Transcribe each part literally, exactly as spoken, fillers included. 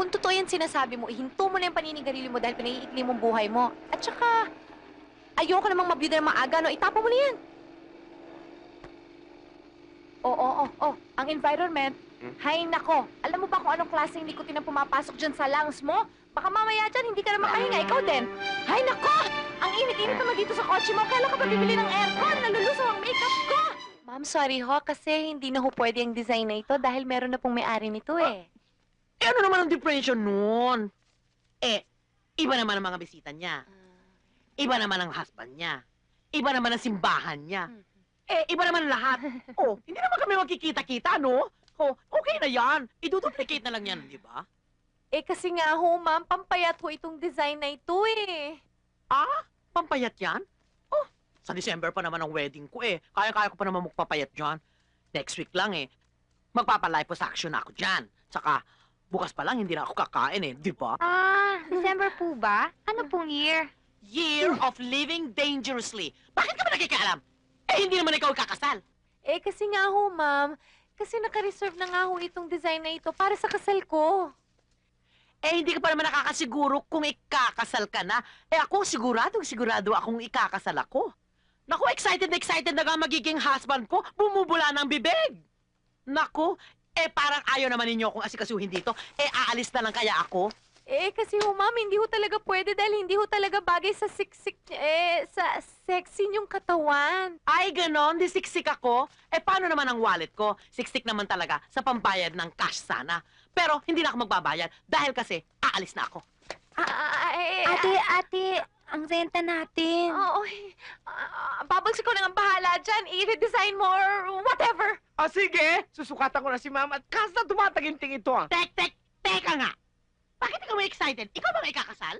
Kung totoo yan sinasabi mo, ihinto mo na yung paninigarilyo mo dahil pinaiikli mong buhay mo. At saka, ayoko namang mabiyuda ng maaga, no? Itapon mo na yan. Oo, oo, oo. Ang environment, Hmm? hay nako. Alam mo ba kung anong klaseng nikotin ang pumapasok dyan sa lungs mo? Baka mamaya dyan, hindi ka na makahinga. Ikaw din. Hay nako! Ang init-init naman dito sa kotse mo. Kailan ka pa bibili ng aircon? Nalulusaw ang makeup ko! Ma'am, sorry ho, kasi hindi na ho pwede ang design na ito dahil meron na pong may-ari nito eh. Eh, ano naman ang differentiation nun? Eh, iba naman ang mga bisita niya. Iba naman ang husband niya. Iba naman ang simbahan niya. Eh, iba naman ang lahat. Oh, hindi naman kami magkikita-kita, no? Oh, okay na yan. I-duplicate na lang yan, di ba? Eh kasi nga ho, ma'am, pampayat ho itong design na ito eh. Ah, pampayat yan? Oh, sa December pa naman ang wedding ko eh. Kaya-kaya ko pa naman magpapayat dyan. Next week lang eh. Magpapa-liposuction ako dyan. Saka, bukas pa lang hindi na ako kakain eh, di ba? Ah, December po ba? Ano pong year? Year of living dangerously. Bakit ka ba nakikialam? Eh, hindi naman ikaw kakasal. Eh kasi nga ho, ma'am, kasi naka-reserve na nga ho itong design na ito para sa kasal ko. Eh, hindi ka pa naman nakakasiguro kung ikakasal ka na. Eh, ako siguradong sigurado akong ikakasal ako. Naku, excited na excited na nga magiging husband ko. Bumubula ng bibig. Naku, eh parang ayaw naman ninyo akong asikasuhin dito. Eh, aalis na lang kaya ako. Eh kasi ho, ma'am, hindi ho talaga pwede dahil hindi ho talaga bagay sa siksik, eh, sa sexy niyong katawan. Ay, ganon, di siksik ako. Eh, paano naman ang wallet ko? Siksik naman talaga sa pambayad ng cash sana. Pero hindi na ako magbabayad dahil kasi aalis na ako. Ah, ah, eh, Ate, ate, ang renta natin. Oo, eh, ah, Bubbles, ikaw na nga bahala dyan. I-redesign mo or whatever. Ah, sige! Susukatan ko na si Ma'am at kasa tumataginting ito ah. Tek, tek, teka nga. Bakit ikaw may excited? Ikaw ba may ikakasal?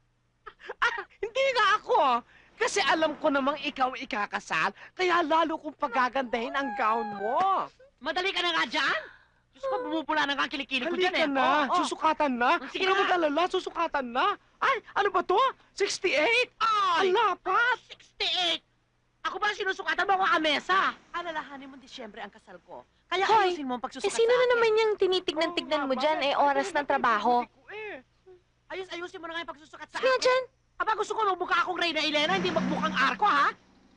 Ah, hindi nga ako ah. Kasi alam ko namang ikaw ikakasal, kaya lalo kong pagagandahin ang gown mo. Madali ka na nga dyan? Diyos ko, bumupula na nga ang kilikili ko Halika dyan eh. na, Oo, oo. susukatan na. Oh, sige Huwag ka na. mag-alala, susukatan na. Ay, ano ba to? sixty-eight? Ay! Ang lapat! sixty-eight! Ako ba sinusukatan mo ako amesa? Alalahanin mo, Disyembre ang kasal ko. Kaya Hoy, ayusin mo ang Eh, pagsusukat sino sa na akin. naman yung tinitignan-tignan mo dyan? Eh, oras ng trabaho. Ayos, ayusin mo na nga yung pagsusukat sa Sige nga akin. dyan. Aba, gusto ko magmukha akong Reyna Elena, hindi magmukhang Arko, ha?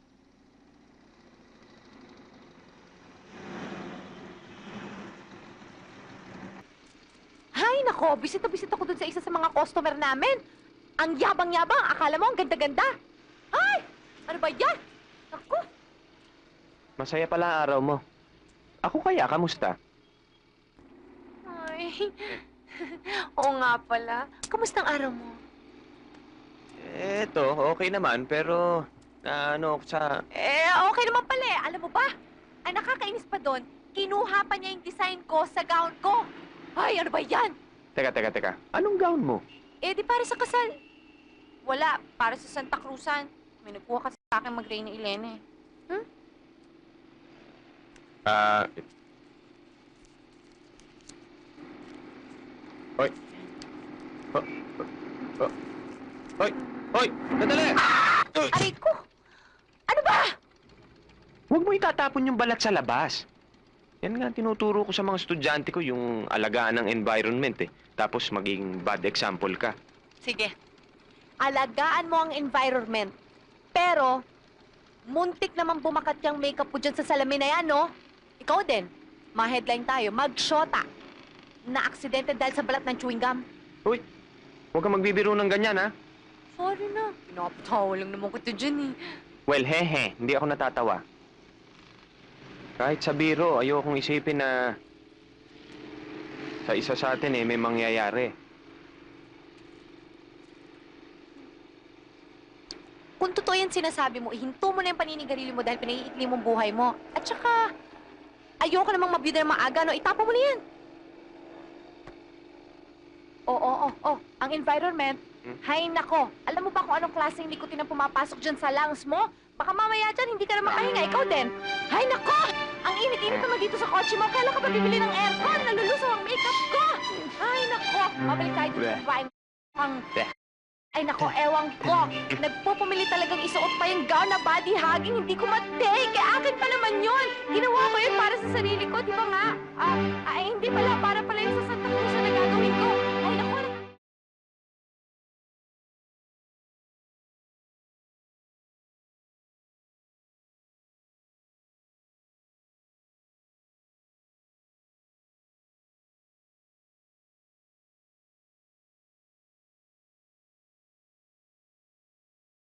Hay, nako, bisit na bisit ako dun sa isa sa mga customer namin. Ang yabang-yabang, akala mo ang ganda-ganda. Ay, ano ba yan? Naku, Masaya pala ang araw mo. Ako kaya, kamusta? ay. Oo nga pala. Kamusta ang araw mo? Eto, okay naman, pero na ano ako sa... Eh, okay naman pala eh. Alam mo ba? Ang nakakainis pa doon, kinuha pa niya yung design ko sa gown ko. Ay, ano ba yan? Teka, teka, teka. Anong gown mo? Eh, di para sa kasal. Wala, para sa Santa Cruzan. May nagkuha kasi sa akin mag-Reyna Elena eh. Ah... Hoy! Ho... Ho... Hoy! Hoy! Sandali! Uy! Aray ko! Ano ba? Huwag mo itatapon yung balat sa labas. Yan nga ang tinuturo ko sa mga estudyante ko, yung alagaan ng environment eh. Tapos maging bad example ka. Sige. Alagaan mo ang environment. Pero, muntik naman bumakat yung makeup mo dyan sa salamin na yan, no? Ikaw din. Ma-headline tayo. Mag-shota. Na-aksidente dahil sa balat ng chewing gum. Uy! Huwag kang magbibiro ng ganyan, ha? Sorry na. Pinapatawa lang naman ko ito dyan, eh. Well, hehe. Hindi ako natatawa. Kahit sa biro, ayokong isipin na sa isa sa atin eh, may mangyayari. Kung totoo yan sinasabi mo, ihinto mo na yung paninigarilyo mo dahil pinaiikli mong buhay mo. At saka, ayoko namang mabiyuda ng maaga, no? Itapon mo na yan. Oo, oo, oo. Ang environment, Hmm? hay nako. Alam mo ba kung anong klaseng nikotin ang pumapasok dyan sa lungs mo? Baka mamaya dyan, hindi ka na makahinga. Ikaw din. Hay nako! Ang init-init naman dito sa kotse mo. Kailan ka pa bibili ng aircon? Nalulusaw ang makeup ko! Hay nako! Mabalik tayo dito sa babaeng ang... Ay nako, ewan ko. Nagpupumili talagang isuot pa yung gown na body hugging. Hindi ko matake. Kaya akin pa naman yun. Ginawa ko yun para sa sarili ko, di ba nga? Ah, ay, hindi pala. Para pala yun sa Santa Cruz na gagawin ko.